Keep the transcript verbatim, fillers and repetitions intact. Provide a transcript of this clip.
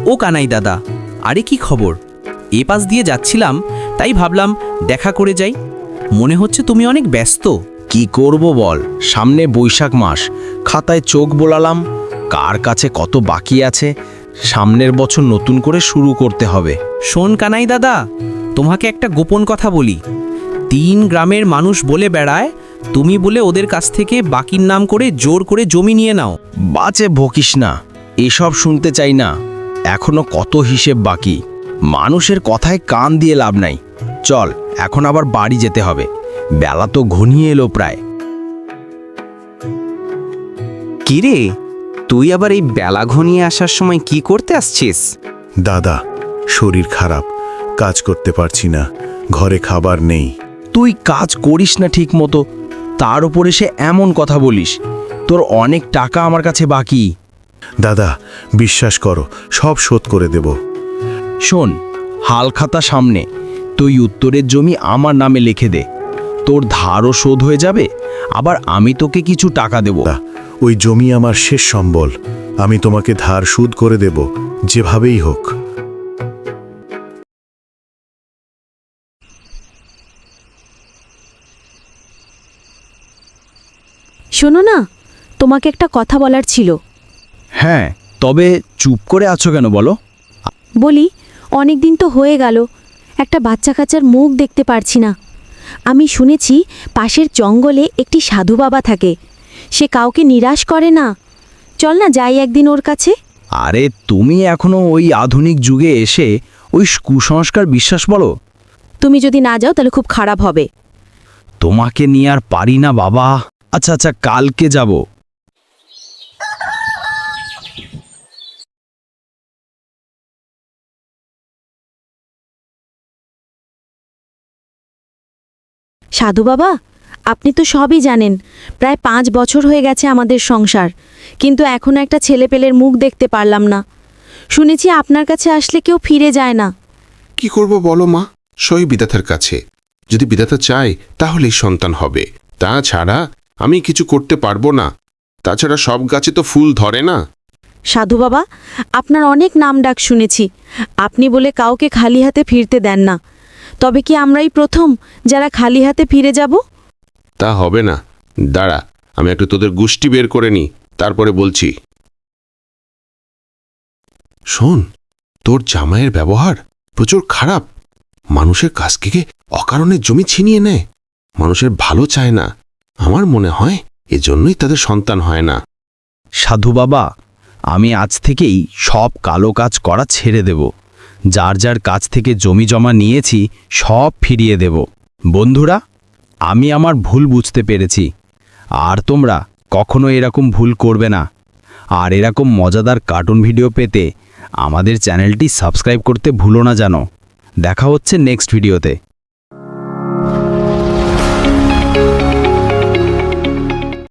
ও কানাই দাদা, আরে কি খবর? এ পাশ দিয়ে যাচ্ছিলাম, তাই ভাবলাম দেখা করে যাই। মনে হচ্ছে তুমি অনেক ব্যস্ত। কি করব বল, সামনে বৈশাখ মাস, খাতায় চোখ বোলালাম কার কাছে কত বাকি আছে। সামনের বছর নতুন করে শুরু করতে হবে। শোন কানাই দাদা, তোমাকে একটা গোপন কথা বলি। তিন গ্রামের মানুষ বলে বেড়ায় তুমি বলে ওদের কাছ থেকে বাকির নাম করে জোর করে জমি নিয়ে নাও। বাঁচে ভকিস না, এসব শুনতে চাই না। এখনো কত হিসেব বাকি। মানুষের কথায় কান দিয়ে লাভ নাই। চল, এখন আবার বাড়ি যেতে হবে, বেলা তো ঘনিয়ে এলো প্রায়। কিরে, তুই আবার এই বেলা ঘনিয়ে আসার সময় কি করতে আসছিস? দাদা, শরীর খারাপ, কাজ করতে পারছি না, ঘরে খাবার নেই। তুই কাজ করিস না ঠিক মতো, তার উপরে সে এমন কথা বলিস। তোর অনেক টাকা আমার কাছে বাকি। দাদা, বিশ্বাস করো, সব শোধ করে দেব। শোন, হালখাতা সামনে, তুই উত্তরের জমি আমার নামে লিখে দে। তোর ধারও শোধ হয়ে যাবে, আবার আমি তোকে কিছু টাকা দেব। ওই জমি আমার শেষ সম্বল, আমি তোমাকে ধার সুদ করে দেব, যেভাবেই হোক। শোনো না, তোমাকে একটা কথা বলার ছিল। হ্যাঁ, তবে চুপ করে আছো কেন বলো? বলি, অনেক দিন তো হয়ে গেল, একটা বাচ্চা কাচ্চার মুখ দেখতে পারছি না। আমি শুনেছি পাশের জঙ্গলে একটি সাধু বাবা থাকে, সে কাউকে নিরাশ করে না। চল না যাই একদিন ওর কাছে। আরে তুমি এখনো ওই আধুনিক যুগে এসে ওই কুসংস্কার বিশ্বাস বলো? তুমি যদি না যাও তাহলে খুব খারাপ হবে। তোমাকে নিয়ে আর পারি না বাবা। আচ্ছা আচ্ছা, কালকে যাব। সাধু বাবা, আপনি তো সবই জানেন, প্রায় পাঁচ বছর হয়ে গেছে আমাদের সংসার, কিন্তু এখনো একটা ছেলেপেলের মুখ দেখতে পারলাম না। শুনেছি আপনার কাছে আসলে কেউ ফিরে যায় না। কি করব বলো মা, সই বিধাতার কাছে। যদি বিধাতা চায় তাহলেই সন্তান হবে, তাছাড়া আমি কিছু করতে পারবো না। তাছাড়া সব গাছে তো ফুল ধরে না। সাধু বাবা, আপনার অনেক নাম ডাক শুনেছি, আপনি বলে কাউকে খালি হাতে ফিরতে দেন না। তবে কি আমরাই প্রথম যারা খালি হাতে ফিরে যাব? তা হবে না, দাঁড়া, আমি একটু তোদের গোষ্ঠী বের করে নিই, তারপরে বলছি। শোন, তোর জামাইয়ের ব্যবহার প্রচুর খারাপ। মানুষের কাছ থেকে অকারণে জমি ছিনিয়ে নেয়, মানুষের ভালো চায় না। আমার মনে হয় এজন্যই তাদের সন্তান হয় না। সাধু বাবা, আমি আজ থেকেই সব কালো কাজ করা ছেড়ে দেব। যার যার কাছ থেকে জমি জমা নিয়েছি সব ফিরিয়ে দেব। বন্ধুরা, আমি আমার ভুল বুঝতে পেরেছি, আর তোমরা কখনো এরকম ভুল করবে না। আর এরকম মজাদার কার্টুন ভিডিও পেতে আমাদের চ্যানেলটি সাবস্ক্রাইব করতে ভুলো না জানো। দেখা হচ্ছে নেক্সট ভিডিওতে।